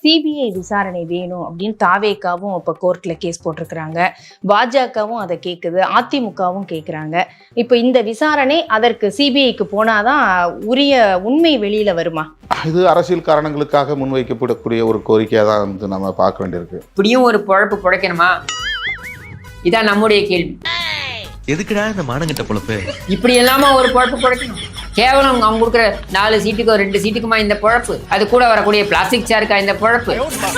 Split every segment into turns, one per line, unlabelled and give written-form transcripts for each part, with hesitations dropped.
CBI விசாரணை வேணும் அப்படின்னு தாவேகாவும் இப்போ கோர்ட்டில் கேஸ் போட்டிருக்கிறாங்க. பாஜகவும் அதை கேட்குது, அதிமுகவும் கேட்குறாங்க. இப்போ இந்த விசாரணை அதற்கு சிபிஐக்கு போனாதான் உரிய உண்மை வெளியில் வருமா?
இது அரசியல் காரணங்களுக்காக முன்வைக்கப்படக்கூடிய ஒரு கோரிக்கையாக தான் வந்து நம்ம பார்க்க வேண்டியிருக்கு.
இப்படியும் ஒரு பொழப்பு பிழைக்கணுமா? இதான் நம்முடைய கேள்வி.
எதுக்குடா இந்த மானங்கிட்ட பொழப்பு?
இப்படி எல்லாம ஒரு பொழப்பு பிழைக்கணும்? கேவலம் அவங்க கொடுக்குற 4 சீட்டுக்கோ 2 சீட்டுக்குமா இந்த பொழப்பு? அது கூட வரக்கூடிய பிளாஸ்டிக் சேருக்கா இந்த பொழப்பு?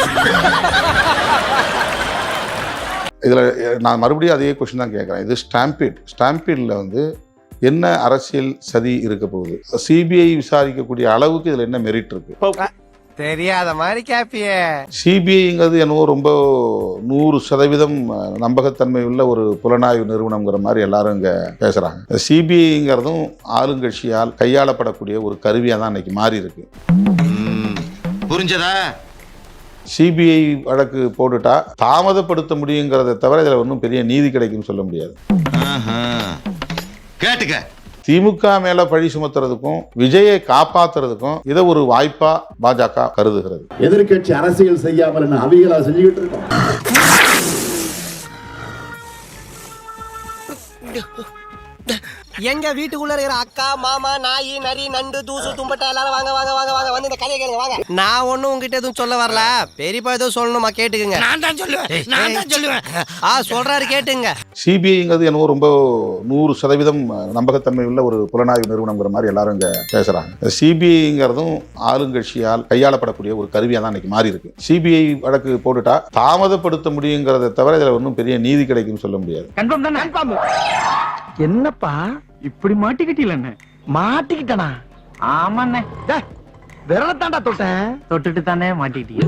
இதில் நான் மறுபடியும் அதே கொஸ்டின் தான் கேட்குறேன். இது ஸ்டாம்பீடில் வந்து என்ன அரசியல் சதி இருக்க போகுது? சிபிஐ விசாரிக்கக்கூடிய அளவுக்கு இதில் என்ன மெரிட் இருக்கு?
தெரியாத மாதிரி கேப்பியே.
சிபிஐங்கிறது என்னவோ ரொம்ப 100% நம்பகத்தன்மை உள்ள ஒரு புலனாய்வு நிறுவனங்கிற மாதிரி எல்லாரும் இங்கே பேசுகிறாங்க. சிபிஐங்கிறதும் ஆளுங்கட்சியால் கையாளப்படக்கூடிய ஒரு கருவியாக தான் இன்னைக்கு மாறி இருக்கு.
புரிஞ்சதா?
சிபிஐ வழக்கு போட்டுட்டா தாமதப்படுத்த முடியுங்கிறத தவிர இதில் ஒன்றும் பெரிய நீதி கிடைக்கும்னு சொல்ல முடியாது.
கேட்டுக்க.
திமுக மேல பழி சுமத்துறதுக்கும் விஜயை காப்பாத்துறதுக்கும் இதை ஒரு வாய்ப்பா பாஜக கருதுகிறது.
எதிர்கட்சி அரசியல் செய்யாமல் அவிகளா செஞ்சுக்கிட்டு இருக்கோம்.
எங்க வீட்டுக்குள்ள இருக்கிற அக்கா மாமா நாய் நரி நண்டு தூசு தும்பட்டை எல்லாரும் வாங்க வாங்க வாங்க வாங்க வந்து இந்த கதையை கேளுங்க வாங்க. நான் ஒன்னும் உங்ககிட்ட எதுவும் சொல்ல வரல. பெரியப்பா எதுவும் சொல்லணுமா கேட்டுக்குங்க. நான் தான் சொல்லுவேன். சொல்றாரு கேட்டுங்க.
சிபிஐங்கிறது என்னவோ ரொம்ப 100% நம்பகத்தன்மை உள்ள ஒரு புலனாய்வு நிறுவனங்கிற மாதிரி எல்லாரும் இங்க பேசுறாங்க. சிபிஐங்கிறதும் ஆளுங்கட்சியால் கையாளப்படக்கூடிய ஒரு கருவியாக தான் இன்னைக்கு மாறி இருக்கு. சிபிஐ வழக்கு போட்டுட்டா தாமதப்படுத்த முடியுங்கிறத தவிர இதில் ஒன்றும் பெரிய நீதி கிடைக்கும்னு சொல்ல முடியாது.
என்னப்பா இப்படி மாட்டிக்கிட்டீங்க? மாட்டிக்கிட்டனா? ஆமாண்ணே, விரலத்தாண்டா தொட்டேன். தொட்டுட்டு தானே மாட்டிக்கிட்டீங்க.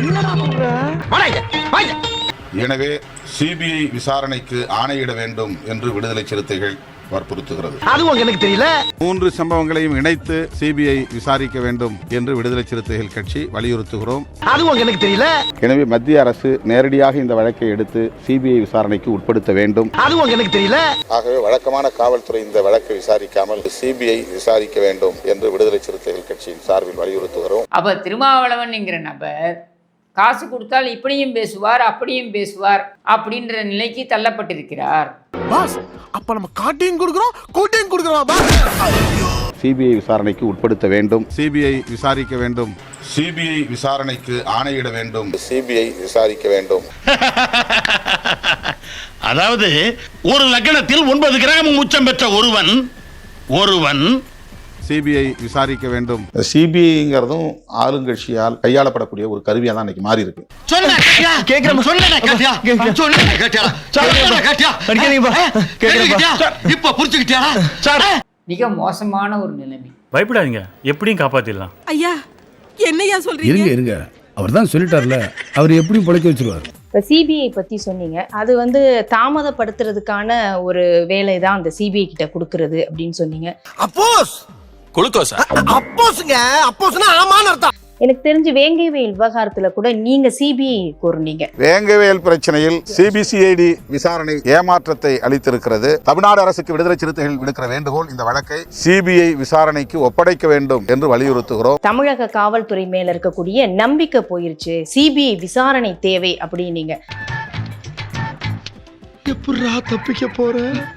எனவே சிபிஐ விசாரணைக்கு ஆணையிட வேண்டும் என்று விடுதலை சிறுத்தைகள் வற்புறுத்துகிறது.
அதுவும் எனக்கு தெரியல.
3 சம்பவங்களையும் இணைத்து சிபிஐ விசாரிக்க வேண்டும் என்று விடுதலை சிறுத்தைகள் கட்சி வலியுறுத்துகிறோம்.
அதுவும் எனக்கு தெரியல.
எனவே மத்திய அரசு நேரடியாக இந்த வழக்கை எடுத்து சிபிஐ விசாரணைக்கு உட்படுத்த வேண்டும்.
அதுவும் எனக்கு தெரியல.
ஆகவே வழக்கமான காவல்துறை இந்த வழக்கை விசாரிக்காமல் சிபிஐ விசாரிக்க வேண்டும் என்று விடுதலை சிறுத்தைகள் கட்சியின் சார்பில் வலியுறுத்துகிறோம்.
அப்ப திருமாவளவன் என்கிற நபர் காசு கொடுத்தால் இப்படியும் பேசுவார் அப்படியும் பேசுவார் அப்படின்ற நிலைக்கு தள்ளப்பட்டிருக்கிறார்.
பாஸ், அப்ப நம்ம காட்டியும் கொடுக்கிறோம் கூட்டியும் கொடுக்கிறோம்.
சிபிஐ விசாரணைக்கு உட்படுத்த வேண்டும். சிபிஐ விசாரிக்க வேண்டும். சிபிஐ விசாரணைக்கு ஆணையிட வேண்டும். சிபிஐ விசாரிக்க வேண்டும்.
அதாவது ஒரு லக்னத்தில் 9 கிராம் உச்சம் பெற்ற ஒருவன்
சிபிஐ விசாரிக்க வேண்டும். சிபிஐங்கிறதும் ஆளுங்கட்சியால் கையாளப்படக்கூடிய ஒரு கருவியாக தான் இன்னைக்கு மாறி இருக்கு.
மிக மோசமான ஒரு நிலைமை.
பயப்படாதீங்க, எப்படியும் காப்பாத்திடலாம்.
ஐயா, என்னையா சொல்றீங்க?
இருங்க, அவர் தான் சொல்லிட்டார்ல, அவர் எப்படியும் பிழைக்க வச்சிருவார்.
இப்போ சிபிஐ பற்றி சொன்னீங்க. அது வந்து தாமதப்படுத்துறதுக்கான ஒரு வேலை தான் அந்த சிபிஐ கிட்ட கொடுக்கறது அப்படின்னு சொன்னீங்க.
அப்போஸ்
குளுக்கோஸா?
அப்போஸ்ங்க, அப்போஸ்னா ஆமான்னு அர்த்தம்.
எனக்கு தெரிஞ்சு வேங்கைவேல் விவகாரத்துல கூட நீங்க சிபிஐ கோருனீங்க.
வேங்கைவேல் பிரச்சனையில் சிபிசிஐடி விசாரணை ஏமாற்றத்தை அளித்திருக்கிறது. தமிழ்நாடு அரசுக்கு விடுதலை சிறுத்தைகள் விடுக்கிற வேண்டுகோள், இந்த வழக்கை சிபிஐ விசாரணைக்கு ஒப்படைக்க வேண்டும் என்று வலியுறுத்துகிறோம்.
தமிழக காவல்துறை மேல இருக்கக்கூடிய நம்பிக்கை போயிருச்சு, சிபிஐ விசாரணை தேவை அப்படின்னீங்க.
எப்படிடா தப்பிக்க போற?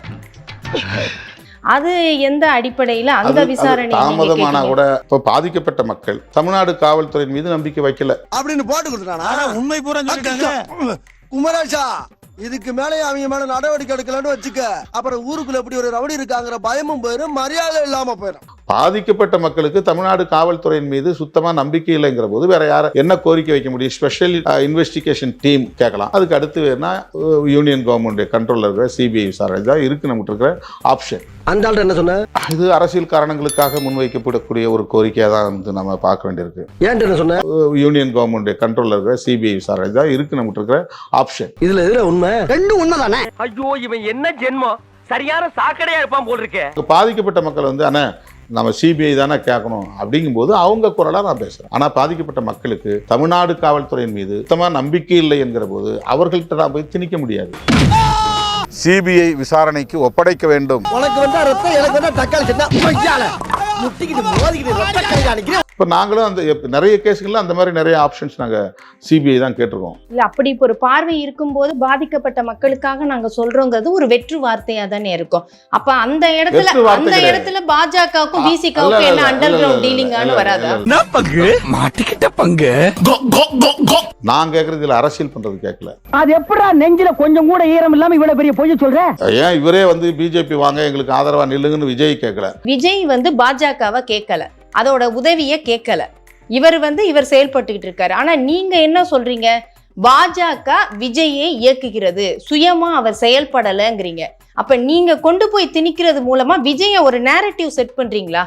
அது எந்த அடிப்படையில அந்த விசாரணை
தாமதமானா கூட இப்ப பாதிக்கப்பட்ட மக்கள் தமிழ்நாடு காவல்துறையின் மீது நம்பிக்கை வைக்கல
அப்படின்னு போட்டு கொடுத்துட்டானா? உண்மை பூரா சொல்லிட்டாங்க. குமரேஷா, இதுக்கு மேலே அவங்க மேல நடவடிக்கை எடுக்கலன்னு வச்சுக்க, அப்புறம் ஊருக்குள்ள எப்படி ஒரு ரவுடி இருக்காங்கிற பயமும் போயிடும், மரியாதை இல்லாம போயிடும்.
பாதிக்கப்பட்ட மக்களுக்கு தமிழ்நாடு காவல்துறையின் மீது சுத்தமா நம்பிக்கை இல்லைங்கிற போது வேற யார என்ன கோரிக்கை வைக்க முடியும்? ஸ்பெஷல் இன்வெஸ்டிகேஷன் டீம் கேட்கலாம். அதுக்கு அடுத்து வேணா யூனியன் கவர்மெண்ட் கண்ட்ரோல்ல இருக்கிற சிபிஐ விசாரணை தான் இருக்கு நமக்கு இருக்கிற ஆப்ஷன்.
அந்த ஆள் என்ன சொன்ன?
இது அரசியல் காரணங்களுக்காக முன்வைக்கப்படக்கூடிய ஒரு கோரிக்கையாக தான் வந்து நம்ம பார்க்க வேண்டியிருக்கு.
ஏன் என்ன சொன்ன?
யூனியன் கவர்மெண்ட் கண்ட்ரோல்ல இருக்கிற சிபிஐ விசாரணை தான் இருக்கு நமக்கு இருக்கிற ஆப்ஷன்.
இதுல எதுல உண்மை? ரெண்டும் உண்மைதானே.
ஐயோ, இவன் என்ன ஜென்மம், சரியான சாக்கடையா இருப்பான் போல் இருக்கே.
பாதிக்கப்பட்ட மக்கள் வந்து ஆனா நம்ம சிபிஐ தானே கேட்கணும் அப்படிங்கும்போது அவங்க குரலா நான் பேசுறேன். ஆனா பாதிக்கப்பட்ட மக்களுக்கு தமிழ்நாடு காவல்துறையின் மீது சுத்தமா நம்பிக்கை இல்லை என்கிற போது அவர்கள்ட்ட நான் போய் திணிக்க முடியாது. சிபிஐ விசாரணைக்கு ஒப்படைக்க வேண்டும்.
உனக்கு வந்தா ரத்தம், எனக்கு வந்தா தக்காளி சட்னா முட்டிக்கிட்டு மோதிக்கிட்டு ரத்த கை காணிக்கிறேன்.
இப்போ நாங்களும் அந்த நிறைய கேஸுகளில் அந்த மாதிரி நிறைய ஆப்ஷன்ஸ் நாங்கள் சிபிஐ தான் கேட்டிருக்கோம்.
இல்ல அப்படி இப்போ ஒரு பார்வை இருக்கும்போது பாதிக்கப்பட்ட மக்களுக்காக நாங்க சொல்றோங்கிறது ஒரு வெற்று வார்த்தையா தானே இருக்கும். அப்ப அந்த இடத்துல பாஜகவுக்கும் பிசிகாவுக்கும் என்ன அண்டர் கிரவுண்ட் டீலிங்கானு வராதா?
மாட்டிக்கிட்ட பங்கு.
நான் கேட்கறது இதில் அரசியல் பண்றது கேட்கல.
அது எப்படா நெஞ்சில கொஞ்சம் கூட ஈரம் இல்லாம இவ்வளவு பெரிய பொய் சொல்ற?
ஏன் இவரே வந்து பிஜேபி வாங்க எங்களுக்கு ஆதரவா நில்லுங்கன்னு விஜய் கேட்கல.
விஜய் வந்து பாஜகவை கேட்கல, அதோட உதவியை கேட்கல. இவர் செயல்பட்டுக்கிட்டு இருக்காரு. ஆனா நீங்க என்ன சொல்றீங்க? பாஜக விஜயை இயக்குகிறது, சுயமா அவர் செயல்படலைங்கிறீங்க. அப்ப நீங்க கொண்டு போய் திணிக்கிறது மூலமா விஜய ஒரு நேரட்டிவ் செட் பண்றீங்களா?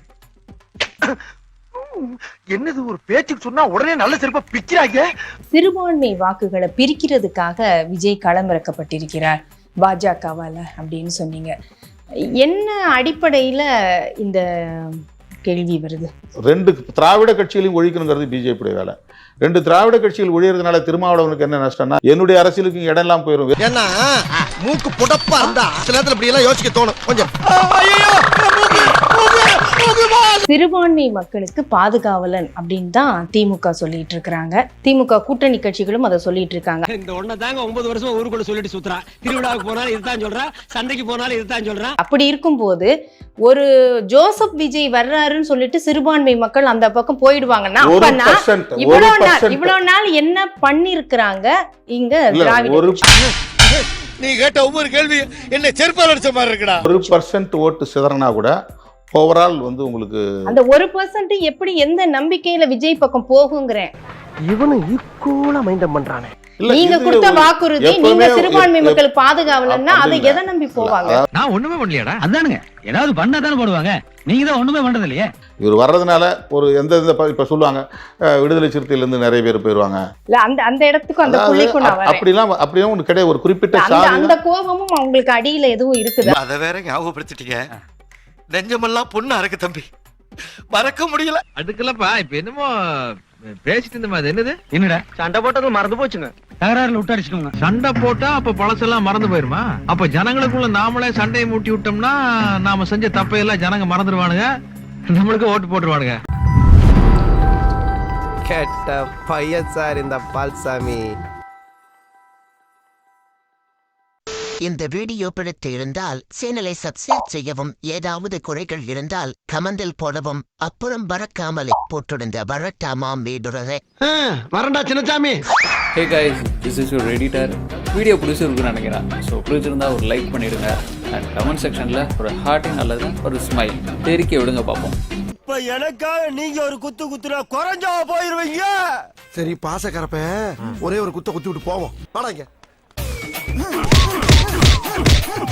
என்னது ஒரு பேச்சுக்கு சொன்னா உடனே நல்ல சிறப்பா பிக்கிறாங்க.
சிறுபான்மை வாக்குகளை பிரிக்கிறதுக்காக விஜய் களமிறக்கப்பட்டிருக்கிறார் பாஜகவால அப்படின்னு சொன்னீங்க. என்ன அடிப்படையில இந்த கேள்வி வருது?
2 திராவிட கட்சிகளையும் ஒழிக்கணுங்கிறது பிஜேபியுடைய வேலை. 2 திராவிட கட்சிகள் ஒழியறதுனால திருமாவளவனுக்கு என்ன நஷ்டம்னா என்னுடைய அரசியலுக்கு இடம் எல்லாம் போயிடும்.
ஏன்னா மூக்கு புடப்பா இருந்தா சில நேரத்துல இப்படி எல்லாம் யோசிக்க தோணும் கொஞ்சம்.
சிறுபான்மை மக்களுக்கு பாதுகாவலன் அப்படின்னு தான் திமுக சொல்லிட்டு இருக்காங்க. திமுக கூட்டணி கட்சிகளும் அதை சொல்லிட்டு இருக்காங்க.
இந்த ஒண்ண தாங்க 9 வருஷமா ஊருக்குள்ள சொல்லிட்டு சுத்துறா. திருவிழாவுக்கு போனாலும் இதுதான் சொல்றா, சந்தைக்கு போனாலும் இதுதான் சொல்றா.
அப்படி இருக்கும்போது ஒரு ஜோசப் விஜய் வர்றாருன்னு சொல்லிட்டு சிறுபான்மை மக்கள் அந்த பக்கம் போயிடுவாங்கன்னா அப்பனா இவ்வளவு நாள் என்ன பண்ணிருக்கிறாங்க இங்க திராவிட?
நீ கேட்ட ஒவ்வொரு கேள்வி என்ன செருப்பால் அடிச்ச மாதிரி இருக்குடா.
1% ஓட்டு சிதறனா கூட ஓவரால் வந்து உங்களுக்கு
அந்த 1% எப்படி எந்த நம்பிக்கையில விஜய் பக்கம் போகுங்கிறேன்.
இவனு ஈக்குவலா மைண்டம் பண்றானே.
நீங்க கொடுத்த வாக்குறுதி நீங்க சிறுபான்மை மக்களுக்கு பாதுகாவலன்னா அதை எதை நம்பி போவாங்க?
நான் ஒண்ணுமே பண்ணலையாடா. அதானுங்க ஏதாவது பண்ணா தானே போடுவாங்க. நீங்க தான் ஒண்ணுமே பண்றது இல்லையே.
இவர் வர்றதுனால ஒரு எந்த இப்ப சொல்லுவாங்க விடுதலை சிறுத்தையில இருந்து நிறைய பேர் போயிருவாங்க.
இல்ல அந்த இடத்துக்கும் அந்த புள்ளிக்கும் நான் வரேன்.
அப்படியே ஒன்று கிடையாது. ஒரு குறிப்பிட்ட
அந்த கோபமும் அவங்களுக்கு அடியில எதுவும் இருக்குது.
அத வேற ஞாபகப்படுத்திட்டீங்க. நெஞ்சமெல்லாம் பொண்ணு அறக்கு தம்பி, மறக்க முடியல.
அதுக்குள்ளப்பா இப்ப என்னமோ பேசிட்டு இருந்த மாதிரி என்னது? என்னடா சண்டை போட்டது மறந்து போச்சுங்க. தகராறுல விட்டாடிச்சுக்கோங்க. சண்டை போட்டா அப்ப பழசெல்லாம் மறந்து போயிருமா? அப்ப ஜனங்களுக்குள்ள நாமளே சண்டையை மூட்டி விட்டோம்னா நாம செஞ்ச தப்பையெல்லாம் ஜனங்க மறந்துடுவானுங்க, நம்மளுக்கு ஓட்டு போட்டுருவானுங்க.
கேட்ட பையன் சார் இந்த பால்சாமி.
இந்த வீடியோ பிடித்து இருந்தால் சேனலை சப்ஸ்கிரைப் செய்யவும், ஏதாவது குறைகள் இருந்தால் கமெண்டில் போடவும், அப்புறம் மறக்காமலே போட்டிருந்த வரட்டாமா மீதுரே
வரண்டா Chinnasamy.
Hey guys, this is your editor. Video பிடிச்சிருக்குன்னு நினைக்கிறேன். ஸோ பிடிச்சிருந்தா ஒரு லைக் பண்ணிடுங்க அண்ட் கமெண்ட் செக்ஷனில் ஒரு ஹார்ட்டிங் அல்லது ஒரு ஸ்மைல் தெரிக்க விடுங்க பார்ப்போம்.
இப்ப எனக்காக நீங்க ஒரு குத்துனா குறைஞ்சா போயிருவீங்க. சரி பாசக்கரப்ப ஒரே ஒரு குத்தி விட்டு போவோம். வாடாங்க.